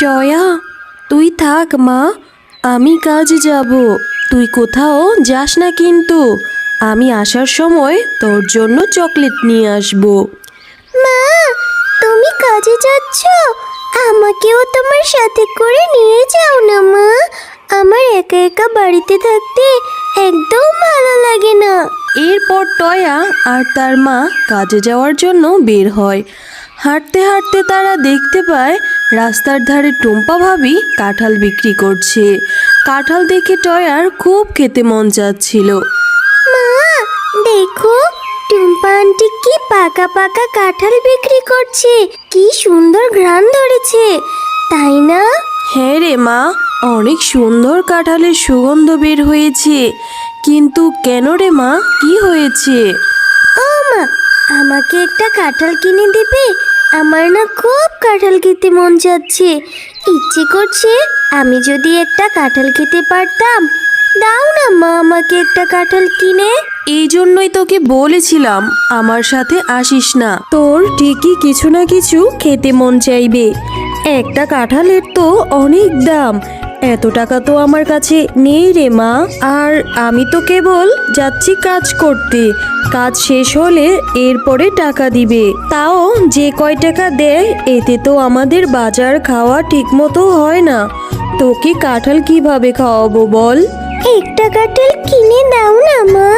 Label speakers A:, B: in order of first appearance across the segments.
A: টয়া, তুই থাক মা, আমি কাজে যাব। তুই কোথাও যাস না কিন্তু। আমি আসার সময় তোর জন্য চকলেট নিয়ে আসবো।
B: মা, তুমি কাজে যাচ্ছ? আমাকেও তোমার সাথে করে নিয়ে যাও না মা। আমার একা একা বাড়িতে থাকতে একদম ভালো লাগে না।
A: এরপর টয়া আর তার মা কাজে যাওয়ার জন্য বের হয়। হাঁটতে হাঁটতে তারা দেখতে পায় রাস্তার ধারে টুম্পা ভাবি কাঁঠাল বিক্রি করছে। কাঁঠাল দেখে টয়ার খুব খেতে মন চাচ্ছিল।
B: মা, দেখো টুম্পা আন্টি কি পাকা পাকা কাঁঠাল বিক্রি করছে। কি সুন্দর ঘ্রাণ ধরেছে, তাই না?
A: হ্যাঁ রে মা, অনেক সুন্দর কাঁঠালের সুগন্ধ বের হয়েছে। কিন্তু কেন রে মা, কি হয়েছে?
B: ও মা, আমাকে একটা কাঁঠাল কিনে দেবে? আমার না খুব কাঁঠাল খেতে মন যাচ্ছে। ইচ্ছে করছে আমি যদি একটা কাঁঠাল খেতে পারতাম। দাও না মা আমাকে একটা কাঁঠাল কিনে।
A: এই জন্যই তোকে বলেছিলাম আমার সাথে আসিস না। তোর ঠিকই কিছু না কিছু খেতে মন চাইবে। একটা কাঁঠালের তো অনেক দাম, এত টাকা তো আমার কাছে নেই রে মা। আর আমি তো কেবল যাচ্ছি কাজ করতে, কাজ শেষ হলে এরপরে টাকা দিবে। তাও যে কয় টাকা দেয় এতে তো আমাদের বাজার খাওয়া ঠিকমতো হয় না। তোকে কাঁঠাল কিভাবে খাওয়াবো বল?
B: একটা কাঁঠাল কিনে দাও না মা।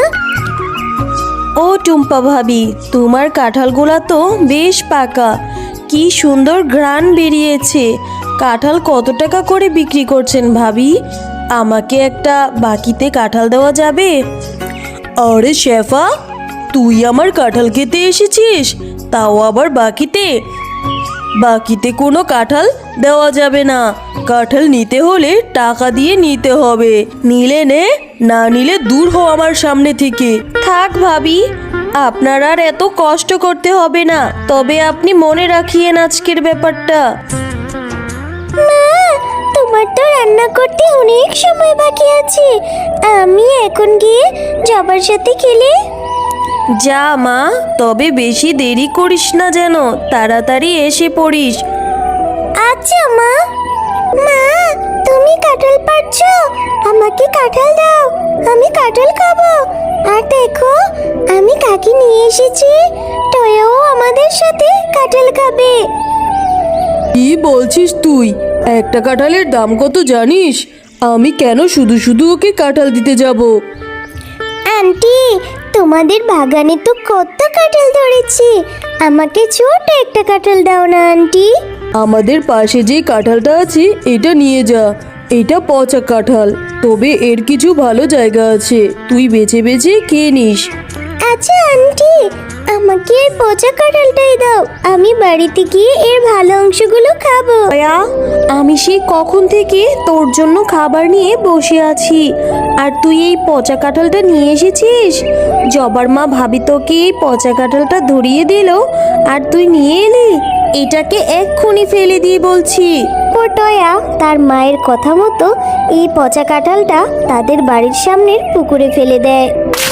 A: ও টুম্পা ভাবি, তোমার কাঁঠালগুলা তো বেশ পাকা, কি সুন্দর ঘ্রাণ বেরিয়েছে। কাঁঠাল কত টাকা করে বিক্রি করছেন ভাবি? আমাকে একটা বাকিতে কাঁঠাল দেওয়া যাবে? আরে শেফা, তুই আমার কাঁঠাল খেতে এসেছিস, তাও আবার বাকিতে? বাকিতে কোনো কাঁঠাল দেওয়া যাবে না। কাঁঠাল নিতে হলে টাকা দিয়ে নিতে হবে। নিলে নে, না নিলে দূর হও আমার সামনে থেকে। থাক ভাবি, আপনার আর এত কষ্ট করতে হবে না। তবে আপনি মনে রাখিয়েন আজকের ব্যাপারটা।
B: মা, তোমার তো রান্না করতে অনেক সময় বাকি আছে। আমি এখন গিয়ে জবার সাথে খেলে।
A: যা মা, তবে বেশি দেরি করিস না যেন, তাড়াতাড়ি এসে পড়িস।
B: আচ্ছা মা। মা, তুমি কাঁঠাল পারছো? আমাকে কাঁঠাল দাও, আমি কাঁঠাল খাবো। আর দেখো, আমি কাকি নিয়ে এসেছি, টয়াও আমাদের সাথে কাঁঠাল খাবে।
A: কি বলছিস তুই? একটা কাঁঠালের দাম কত জানিস? আমি কেন শুধু শুধু ওকে কাঁঠাল দিতে যাব?
B: আন্টি, তোমাদের বাগানে তো কত কাঁঠাল ধরেছে, আমাকে ছোট একটা কাঁঠাল দাও না আন্টি।
A: আমাদের পাশে যে কাঁঠালটা আছে এটা নিয়ে যা। এটা পচা কাঁঠাল, তবে এর কিছু ভালো জায়গা আছে, তুই বেছে বেছে খেয়ে নিস।
B: আচ্ছা আন্টি, আমাকে এই পচা কাঁঠালটাই দাও, আমি বাড়িতে গিয়ে এর ভালো অংশগুলো খাবো।
A: দয়া, আমি সেই কখন থেকে তোর জন্য খাবার নিয়ে বসে আছি, আর তুই এই পচা কাঁঠালটা নিয়ে এসেছিস? জবার মা ভাবি তোকে এই পচা কাঁঠালটা ধরিয়ে দিল, আর তুই নিয়ে এলি? এটাকে এক্ষুনি ফেলে দিয়ে বলছি।
B: ও টয়া তার মায়ের কথা মতো এই পচা কাঁঠালটা তাদের বাড়ির সামনের পুকুরে ফেলে দেয়।